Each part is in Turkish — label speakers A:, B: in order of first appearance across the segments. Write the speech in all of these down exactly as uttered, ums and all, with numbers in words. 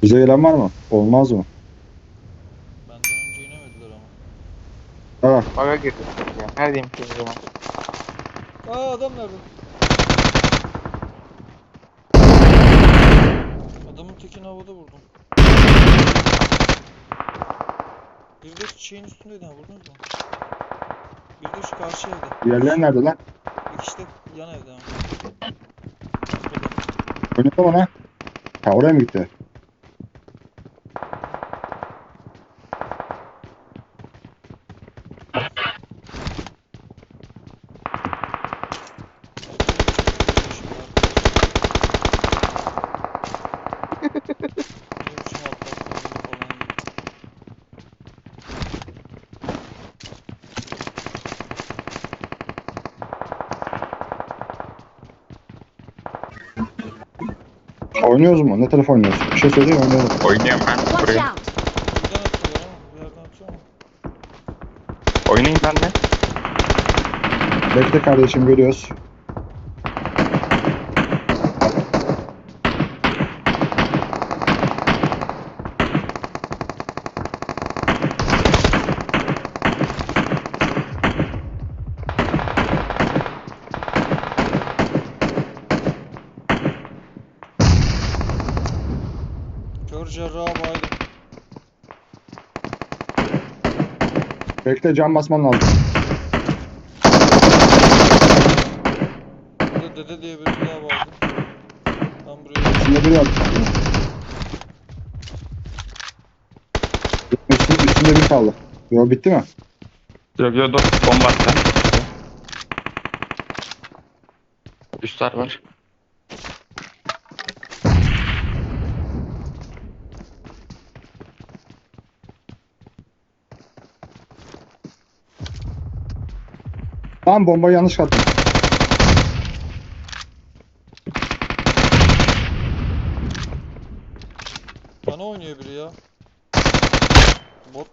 A: Bize gelen var mı? Olmaz mı?
B: Benden önce inemediler ama.
A: Ha,
C: Baga girdim ya. Neredeyim ki o zaman?
B: Aa adam nerede? Adamın tekini havada vurdum. Bir de şeyin üstündeydi ha, vurdunuz mu? Bir de şu karşı evde.
A: diğerleri nerede lan?
B: Bir kişi de yan evde ama.
A: Önünde mi lan? Ha, oraya mı gitti? Oynuyoruz mu? Ne taraf oynuyoruz? Bir şey söyleyeyim oynayalım.
C: Oynuyorum ben.
D: Watch
C: Buraya.
D: out!
B: Buradan atıyorlar ama bir yerden atıyor ama.
C: Oynayın ben de.
A: Bekle kardeşim, geliyoruz.
B: Kör cerraha baydım.
A: Bekle, cam basman lazım.
B: Burada dede diye biri daha baydım. Ben buraya
A: Üstünde biri var. Üstünde, üstünde bir kaldı. Yo, bitti mi?
C: Yok yok dur. Bomba attı. Üstler var.
A: Tamam, bombayı yanlış attım.
B: bana oynuyor biri ya. Bot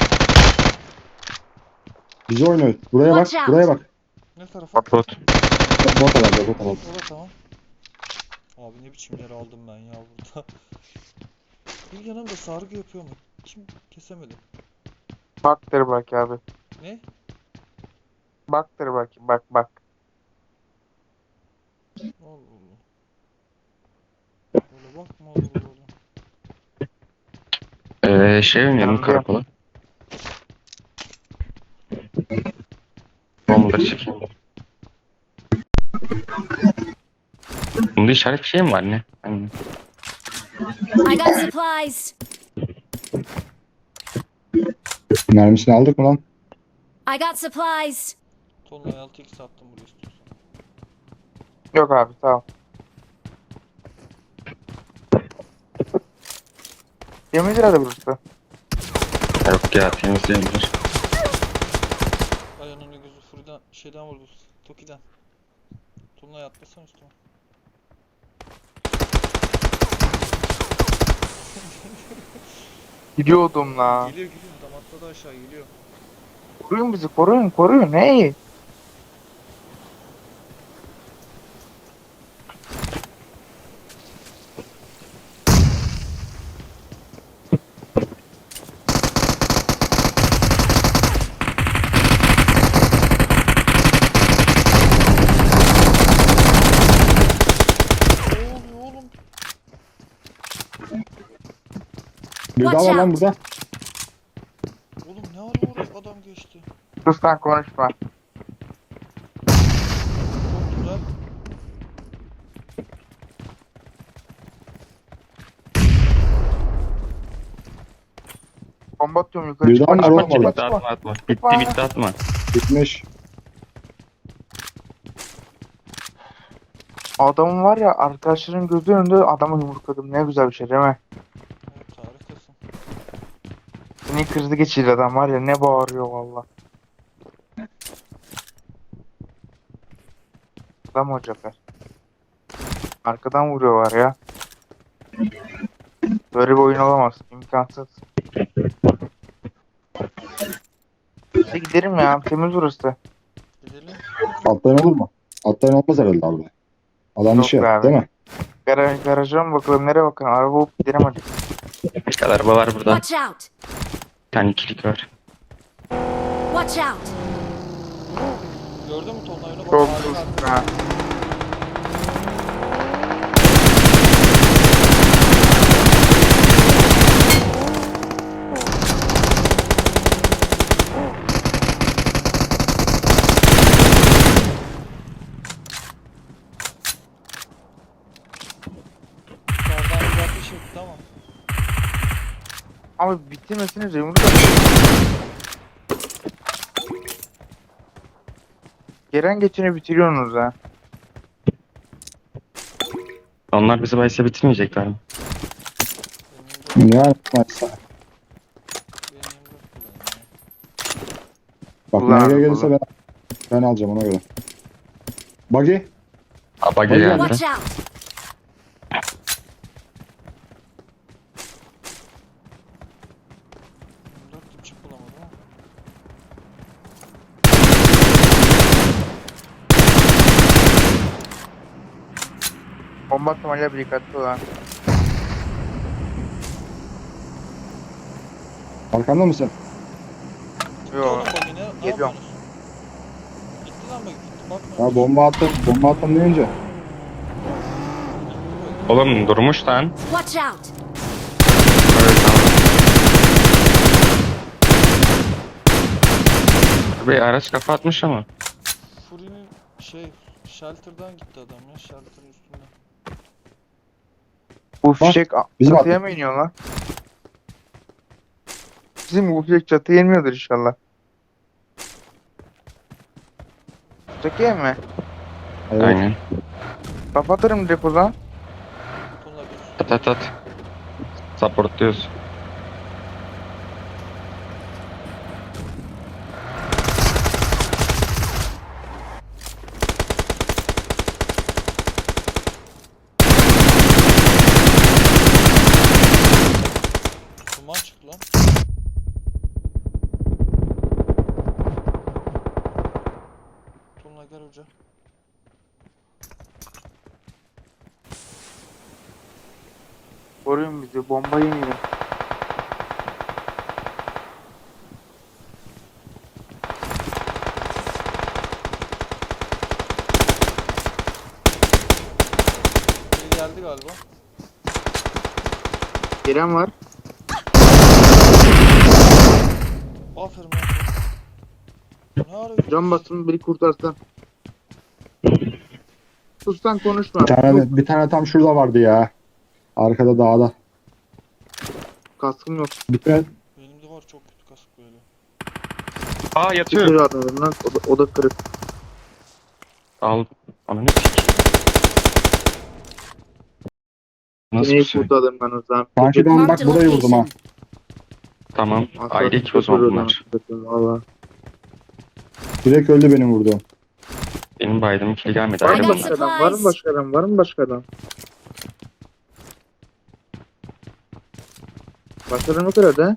A: Bizi oynuyor. Buraya bak,
D: Watch out.
A: buraya bak.
B: ne tarafa?
C: Bot bot.
A: Bot herhalde, bot herhalde.
B: O da tamam. Abi ne biçim yer aldım ben ya burada. Bir yanımda sargı yapıyor mu? Kim kesemedi?
C: Baktır bak abi.
B: Ne?
C: Baktır bak. Bak bak.
B: Allah Allah. Böyle bakma olur oğlum.
C: Ee, şey oynayalım
E: Yanımda.
C: karakola. Bombaları çekeyim. Bunda işaret bir şey mi var ne? Hani
D: I got supplies!
A: Mermisini aldık mı lan?
D: I got supplies!
B: Tonla altı x attım buraya istiyorsan.
E: Yok abi tamam. Temiz herhalde burası.
C: yok ya temizleyebilir.
B: Ayağının gözü Furi'den şeyden vurdu. Toki'den. Tonla atlasan üstüme.
E: Gidiyordum la.
B: Geliyor geliyor adam atladı aşağı geliyor.
E: Koruyun bizi koruyun koruyun hey.
B: Ne oluyor oğlum?
A: Bir daha
D: Watch
A: var lan
D: out.
A: burada.
B: Oğlum ne ara oraya adam geçti?
E: Sus lan konuşma.
B: Çok güzel.
E: Bomba atıyorum yukarı
A: Bir daha
E: çıkma
A: var
E: çıkma
A: oğlum
E: çıkma
A: orada.
C: Bitti
E: çıkma.
C: atma atma. Bitti bitti atma.
A: Bitmiş.
E: Adamın var ya arkadaşların gözü önünde adamı yumrukladım. Ne güzel bir şey değil mi?
B: Evet harikasın.
E: Seni krizi geçirdi adam var ya ne bağırıyor valla. Adam o Cafer. Arkadan vuruyorlar ya. Böyle bir oyun olamaz. İmkansız. İşte giderim ya. Temiz burası.
B: Gidelim.
A: Atlayan olur mu? Atlayan olmaz herhalde abi. Alan
E: Yok
A: dışı
E: be abi.
A: değil mi?
E: Garaj, garaja mı bakalım? Nereye bakalım? Araba bulup gidelim hadi.
C: Bir kadar araba var burada.
D: Watch out!
C: Bir tane ikilik var.
D: Watch out!
B: Gördün mü Tolunay onu? Bak,
E: Çok
B: ağacın
E: hızlı.
B: arkasında.
E: Ha.
B: Yukarıdan bir bakış etti ama.
E: Abi bitirmesini Remur da. Gelen geçeni bitiriyorsunuz ha.
C: Onlar bizi bayse bitirmeyecekler mi?
B: Benim de,
A: Yani maçsa.
B: benim de kullanıyor.
A: Bak
E: Ulan,
A: nereye gelirse
E: ulan.
A: ben, ben alacağım ona göre. Buggy.
C: Aba
A: Hadi.
C: geldi.
D: Watch out!
B: yirmi dört dipçik bulamadım ama.
E: Bomba atmayla bir dikkatli olan.
A: Arkamda mısın?
B: Gitti
E: Yo.
B: oğlum bak yine. Ne
E: Geliyorum.
B: yapıyorsunuz? Gitti lan bak gitti bakma.
A: Ya bomba attım. Bomba attım deyince.
C: Oğlum durmuş lan.
D: Watch out!
C: Evet tamam. Abi araç kafa atmış ama.
B: Fury'nin şey shelter'dan gitti adam ya shelter'ın üstünde.
E: Bu fişek a-
A: bizim
E: çatıya
A: attık.
E: mı iniyor lan? Bizim bu fişek çatıya inmiyordur inşallah. Çatıya mı?
A: Evet.
C: Aynen.
E: Kapatırım direkt o zaman.
B: Tolunay bir
C: At at at. Supportluyoruz.
B: duman çıktı lan. Tolunay gel hoca.
E: Koruyun bizi, bomba yemeyelim.
B: Biri geldi galiba.
E: Gelen var.
B: Aferin lan. Ne arıyorsun?
E: Can basın biri kurtarsan. Sustan konuşma.
A: Bir tane,
E: Yok,
A: bir tane tam şurada vardı ya. Arkada dağda.
E: kaskım yok.
A: Bir tane
B: Benim de var çok kötü kasık böyle.
C: Aa yatıyor.
E: Tutuyor adamım lan. O da, o da kırık.
C: Al. Ana ne pik. Nasıl bir
E: Neyi
C: şey?
E: kurtardım ben o zaman?
A: sanki ben bak
D: Marked a
A: burayı vurdum ha.
D: location.
C: Tamam.
E: Asla
C: Ayrı iki o zaman
E: kurtarıyordum
C: bunlar.
E: hakikaten, valla.
A: Direkt öldü benim vurduğum.
C: Benim baydım ikili gelmedi.
E: Var
D: I
C: Ayrı
E: mı
D: got
C: bunlar.
E: başka adam? Var mı
D: supplies.
E: başka adam? Var mı başka adam? Başka adam yok herhalde.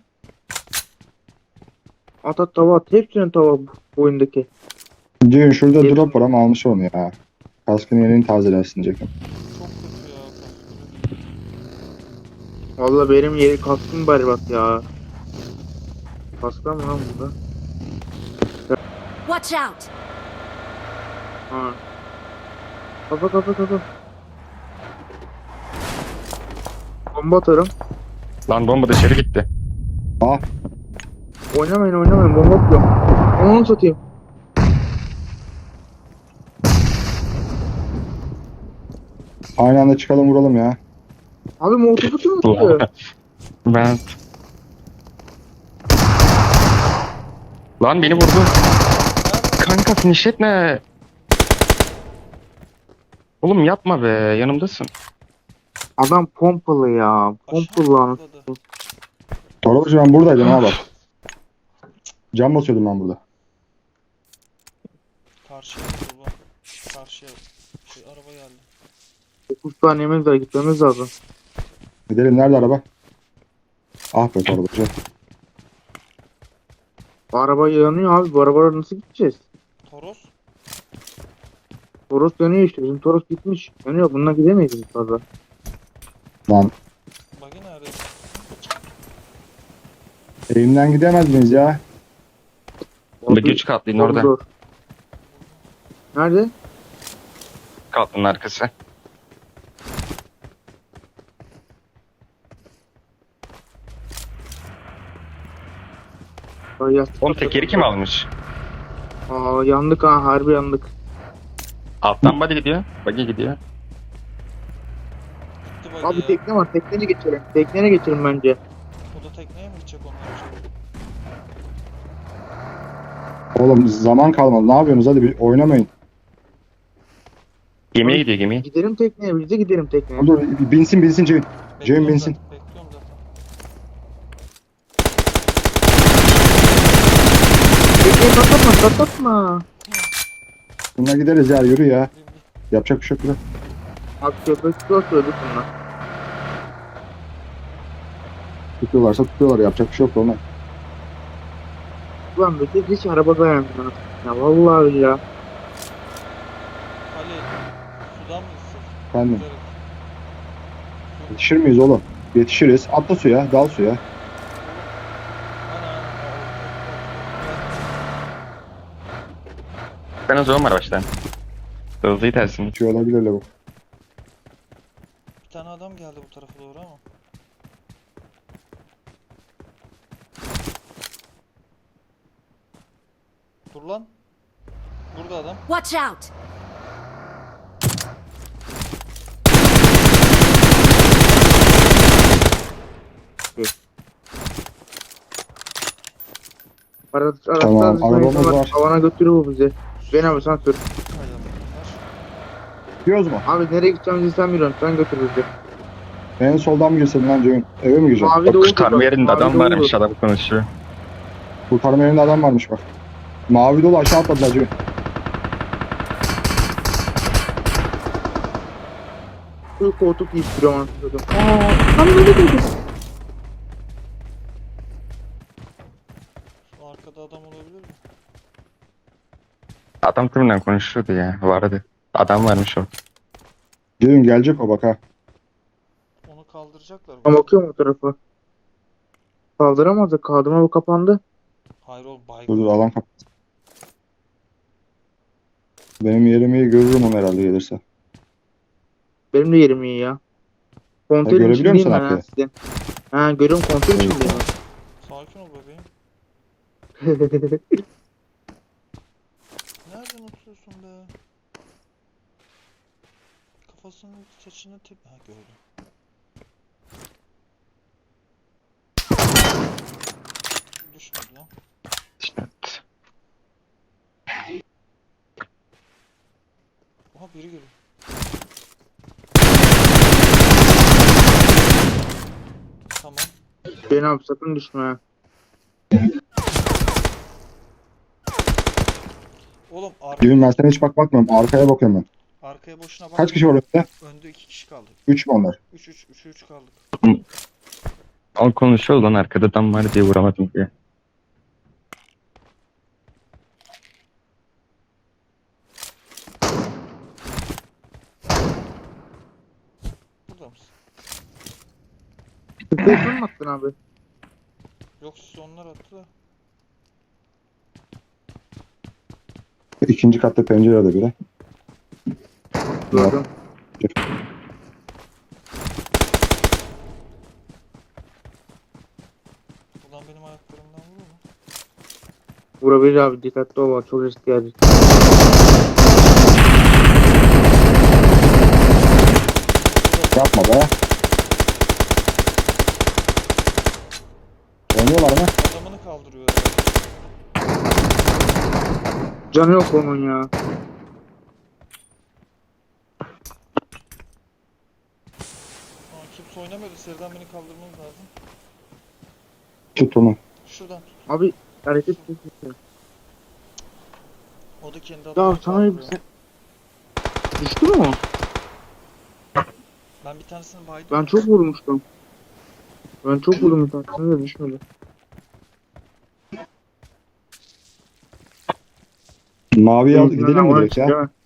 E: At at tava at. Hepsinin tava bu oyundaki.
A: Düğün şurada
E: Hepsi-
A: drop var ama almış onu ya. Kaskın yerini tazelersin Jack'ım.
B: Çok kötü ya kaskı.
E: Valla benim yeri kaskım berbat ya. Kasklar mı lan burada?
D: Watch out!
E: Ha. Kafa kafa kafa. Bomba atarım.
C: Lan bomba dışarı gitti.
A: Ah
E: Oynamayın oynamayın bomba atıyorum. Onu satayım.
A: aynı anda çıkalım vuralım ya.
E: Abi molotofu kim atıyor?
C: Ben... Lan beni vurdu. Kanka finish etme. Oğlum yapma be. Yanımdasın.
E: Adam pompalı ya. Pompalı lan.
B: Atladı.
A: Torbaşı ben buradaydım ha bak. Cam basıyordum ben burada.
B: Karşıya kurban. Karşıya. Şey araba geldi.
E: dokuz saniyemiz var gitmemiz lazım.
A: Gidelim nerede araba? Ah be torbacı.
E: Bu araba yanıyor abi. Bu arabalara nasıl gideceğiz?
B: Toros.
E: Toros dönüyor işte. Bizim Toros gitmiş. Yanıyor. Bununla gidemeyiz biz fazla.
A: Lan
B: Bagi nerede? oraya.
A: Eğimden gidemez miyiz ya?
C: Bir güç katlayın
E: Çok
C: orada.
E: zor. Nerede?
C: Katlının arkası.
E: Ay, yastık
C: Oğlum
E: atladım.
C: tekeri kim almış?
E: Aa, yandık ha, harbi yandık.
C: Alttan body gidiyor. Buggy gidiyor.
B: Gitti bagi
E: Abi
B: ya.
E: tekne var, tekneye geçelim. Tekneye geçelim bence.
B: O da tekneye mi gidecek onlar acaba?
A: Oğlum zaman kalmadı. Ne yapıyorsunuz? Hadi bir oynamayın.
C: Gemiye gidiyor gemiye.
E: Gidelim tekneye, biz de gidelim tekneye.
A: Dur binsin binsin Ceyhun. Ceyhun
B: Bekliyorum
A: binsin.
B: zaten. Bekliyorum zaten.
E: Tekneyi patlatma, patlatma.
A: Bununla gideriz ya yürü ya.
B: Bin, bin.
A: Yapacak bir şey yok. Yürü.
E: Abi köpek zor söyledik bunlar.
A: Tutuyorlarsa tutuyorlar. Yapacak bir şey yok ona.
E: Ulan Bekir hiç araba dayanmıyor. Ya vallahi ya.
B: Ali, sudan mı gitsek?
A: Efendim.
B: Güzel. Su.
A: Yetişir miyiz oğlum? Yetişiriz. Atla suya. Dal suya.
B: Ana,
C: Ben o zaman var baştan. Hızlıyı tersin.
A: Şey olabilir lavuk.
B: bir tane adam geldi bu tarafa doğru ama. Dur lan. Burada adam.
D: Watch out!
E: Araç, araçlar
A: Tamam,
E: dışına
A: arabamız
E: insanlar
A: var.
E: Havana götürür bu bizi. Ben abi sen sür.
B: Hay Allah.
A: Gidiyoruz mu?
E: Abi nereye gideceğimizi sen biliyorsun. Sen götür bizi.
A: En soldan mı girsin lan Ceyhun? Eve mi gireceğim?
E: Mavi
C: O
E: de olur.
C: kurtarma
E: bak,
C: yerinde
E: mavi
C: adam
E: de
C: varmış,
E: olur.
C: adam konuşuyor.
A: Kurtarma yerinde adam varmış bak. Mavi dolu aşağı atladılar Ceyhun.
E: Şu koltuk giyip duruyorum anasını satayım. Aaa tam böyle dedi.
B: Şu arkada adam olabilir mi?
C: Adam kimle konuşuyordu ya, vardı. Adam varmış o.
A: Ceyhun gelecek o bak ha.
B: Onu kaldıracaklar.
E: Ben bakıyorum o tarafa. Kaldıramaz da kaldırma bu kapandı.
B: Hayır oğlum
A: Dur
B: baygın.
A: dur alan kapat. Benim yerimi iyi görürüm onu herhalde gelirse.
E: Benim de yerim iyi ya. Konteyrin
A: görebiliyor
E: içindeyim
A: musun
E: ben ha
A: arkayı?
E: sizin. Ha görüyorum konteyrin
A: Evet.
E: içindeyim
B: Sakin ol bebeğim.
E: ben.
B: Nereden oturuyorsun be? Kafasının saçını tip... Ha gördüm. Düşmedi lan.
C: İşte.
B: Oha biri geliyor. Tamam.
E: Ben abi sakın düşme ha.
B: Oğlum ar
A: Ceyhun ben sana hiç bak bakmıyorum. Arkaya bakıyorum ben.
B: arkaya boşuna bak.
A: Kaç kişi var önde?
B: Önde iki kişi kaldık.
A: Üç mü onlar?
B: üç üç üç üç kaldık.
C: O konuşuyor lan, arkada adam var diye vuramadım diye.
B: Burada mısın?
E: Tıklayıp mı attın abi?
B: Yok siz onlar attı da.
A: İkinci katta pencerede biri.
E: Gördüm.
B: Ulan benim ayaklarımdan vurur mu?
E: Vurabilir abi dikkatli ol bak, çok risk geldi.
A: Yapma be. Oynuyorlar mı?
B: Adamını kaldırıyor herhalde.
E: Canı yok onun ya.
B: Aa, kimse oynamıyordu. Seriden beni kaldırmanız lazım.
A: Tut onu.
B: Şuradan tut.
E: Abi hareket etmiyor.
B: O da kendi
E: Ya
B: adamını
E: sana
B: kaldırıyor.
E: sen... Düştü mü o?
B: Ben bir tanesini baydım.
E: Ben çok vurmuştum. Ben çok vurdum bir tanesine de düşmedi.
A: Maviye al,
E: Benimkinden
A: gidelim mi
E: havaya
A: direkt ya?
E: çıktı, değil mi?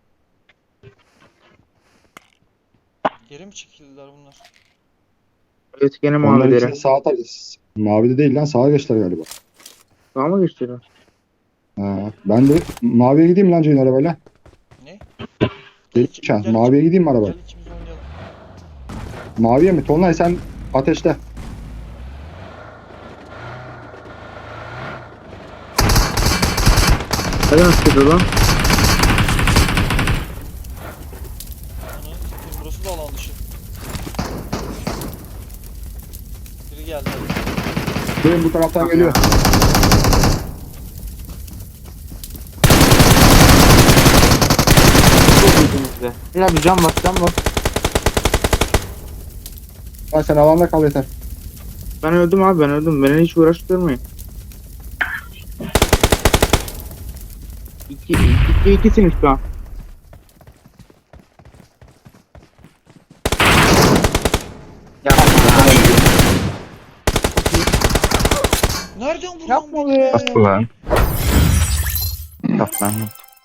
B: Geri mi çekildiler bunlar?
E: Evet gene
A: Onlar
E: mavilere.
A: ikisi sağa tarafı. Mavide değil lan, sağa geçtiler galiba.
E: Sağa mı geçtiler?
A: Ha, ben de maviye gideyim lan Ceyhun arabayla.
B: Ne?
A: Gelin
B: iki-
A: şan.
B: gel
A: Maviye
B: iki-
A: gideyim mi arabayla?
B: Gel ikimiz oynayalım.
A: Maviye mi? Tonlay sen ateşte.
E: Hadi nasıl gidiyor lan?
B: Ananı satayım, burası da alan dışı. Biri geldi.
A: Gelin bu taraftan geliyor.
E: Çok iyisiniz de. Ya bir cam bas cam bas.
A: Lan sen alanda kal yeter.
E: Ben öldüm abi ben öldüm. Beni hiç uğraştırmayın. İki, iki, ikisiniz şu an.
B: Nereden vurdun
E: Yapma
B: beni
E: be.
C: Bastı lan. Kaplan.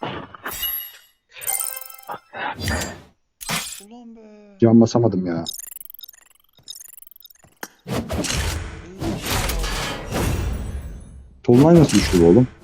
B: Ulan be.
A: Can basamadım ya.
B: İyi.
A: Tonlay nasıl düştü bu oğlum?